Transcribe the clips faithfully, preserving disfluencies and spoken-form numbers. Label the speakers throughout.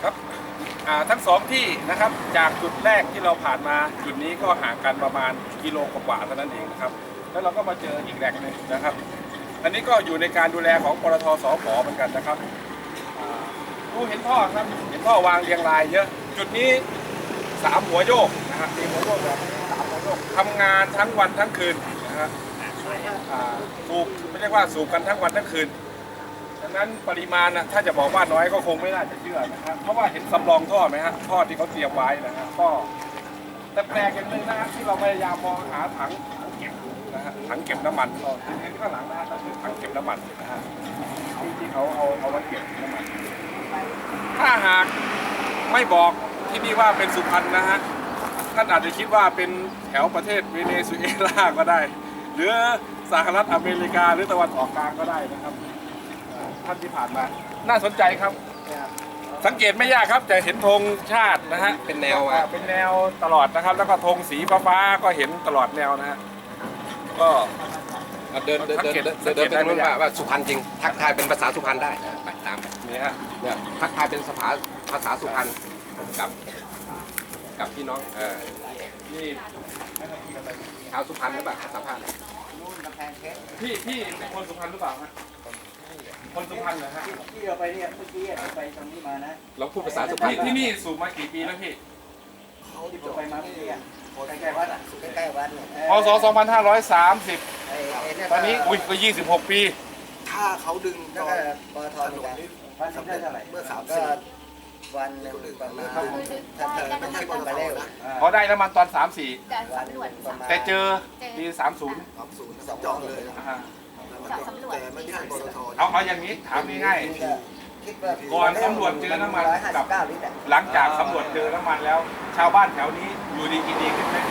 Speaker 1: ครับทั้งสองที่นะครับจากจุดแรกที่เราผ่านมาจุดนี้ก็ห่างกันประมาณกิโลกว่าๆเท่านั้นเองนะครับแล้วเราก็มาเจออีกแหล่งหนึ่งนะครับอันนี้ก็อยู่ในการดูแลของปตท.สผ.เหมือนกันนะครับดูเห็นท่อครับเห็นท่อวางเรียงรายเยอะจุดนี้สามหัวโยกนะครับมีหัวโยกแบบสามหัวโยกทำงานทั้งวันทั้งคืนนะครับสูบไม่เรียกว่าสูบกันทั้งวันทั้งคืนดังนั้นปริมาณนะถ้าจะบอกว่าน้อยก็คงไม่น่าจะเชื่อนะครับเพราะว่าเห็นสำรองท่อไหมฮะท่อที่เขาเตรียมไว้นะครับก็แต่แปลกอย่างหนึ่งนะฮะที่เราพยายามมองหาถังเก็บนะฮะถังเก็บน้ำมันก็เห็นข้างหลังนะฮะก็คือถังเก็บน้ำมันนะฮะที่ที่เขาเอาเอาไว้เก็บน้ำมันถ้าหากไม่บอกที่นี่ว่าเป็นสุพรรณนะฮะท่านอาจจะคิดว่าเป็นแถวประเทศเวเนซุเอลาก็ได้หรือสหรัฐอเมริกาหรือตะวันออกกลางก็ได้นะครับท่านที่ผ่านมาน่าสนใจครับสังเกตไม่ยากครับจะเห็นธงชาตินะฮะเป็นแนวเป็นแนวตลอดนะครับแล้วก็ธงสีฟ้าๆก็เห็นตลอดแนวนะฮะก็
Speaker 2: เดินเดินเดินเดินเดินไปตรงนู้นว่าว่าสุพรรณจริงทักทายเป็นภาษาสุพรรณได้ไปตาม
Speaker 1: นี่ฮะ
Speaker 2: เนี่ยทักทายเป็นภาษาภาษาสุพรรณกับกับพี่น้องเออ
Speaker 1: นี่
Speaker 2: ชาวสุพรรณหรือเปล่าสัมภาษณ์
Speaker 1: พี่พี่เป็นคนสุพรรณหรือเปล่าฮะคนสุพรรณเหรอฮะ
Speaker 3: ที่เราไปเนี่ยเมื่อกี้เราไปตรงนี้มานะ
Speaker 2: เราพูดภาษาสุพรรณ
Speaker 1: ที่นี่สูบมากี่ปีแล้วพี่
Speaker 3: ที่ผมไปมาเมื่อกี้ใกล้ๆวัดอ่ะใกล้ๆวัด
Speaker 1: พศสองพันห้าร้อยสามสิบตอนนี้อุ้ยก็ยี่สิบหกปี
Speaker 4: ถ้าเขาดึงตอน
Speaker 3: ปตทนี่วันสำเร็จเท่าไหร่
Speaker 4: เมื่อสามสิบ
Speaker 3: วันหนึ่งประมาณถ้าเธอไม่ใช่คนมาเร็ว
Speaker 1: พอได้น้ำมันตอนสามสี่
Speaker 3: วันหนึ่ง
Speaker 1: แต่เจอปีสามศูนย์
Speaker 4: สามศูนย์จองเลยแต่ไม่ใช่ปตท
Speaker 1: เอาเอาอย่างนี้ถามง่ายๆก่อนสำรวจเจอน้ำมันกับหลังจากสำรวจเจอน้ำมันแล้ว ชาวบ้านแถวนี้อยู่ดีกินดีขึ้นไหม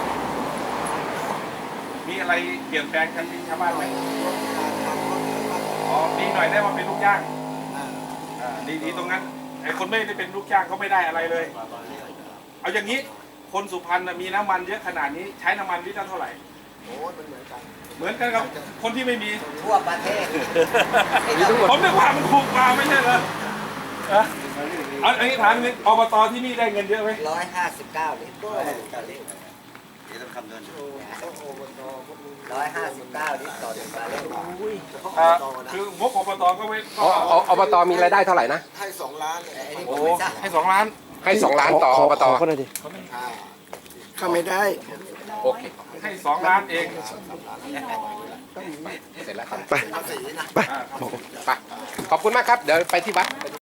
Speaker 1: มีอะไรเปลี่ยนแปลงกันที่ชาวบ้านไหมอ๋อดีหน่อยได้มาเป็นลูกจ้างดีดีตรงนั้นไอ้คนไม่ได้เป็นลูกจ้างเขาไม่ได้อะไรเลยเอาอย่างนี้คนสุพรรณมีน้ำมันเยอะขนาดนี้ใช้น้ำมันลิตรเท่าไหร่
Speaker 4: โอ้มันเหมือนกัน
Speaker 1: เหมือนกันกับคนที่ไม่มี
Speaker 3: ทั่วประเทศ
Speaker 1: ผมนึกว่ามันถูกกว่าไม่ใช่เหรอเอาอันนี้ถามนิดอบตที่นี่ได้เงินเยอะไหม
Speaker 3: ร้อยห้าสิบเก้าลิตร
Speaker 4: นี่ต้องคำนวณ
Speaker 3: ร้อยห้าสิบเก้าลิตรต่อหนึ่งบาร์เรล
Speaker 1: คืองบอบตก็ไม่
Speaker 2: อบตมีรายได้เท่าไหร่นะ
Speaker 4: ให้สองล้าน
Speaker 1: โอ้ให้สองล้าน
Speaker 2: ให้สองล้านต่ออบต
Speaker 5: เขาหน่อยดิ
Speaker 4: เข้าไม่ได้
Speaker 2: โอเค
Speaker 1: ให้สองล้านเอง
Speaker 2: เสร็จแล้ว
Speaker 5: ไปไป
Speaker 2: ไปขอบคุณมากครับเดี๋ยวไปที่วัด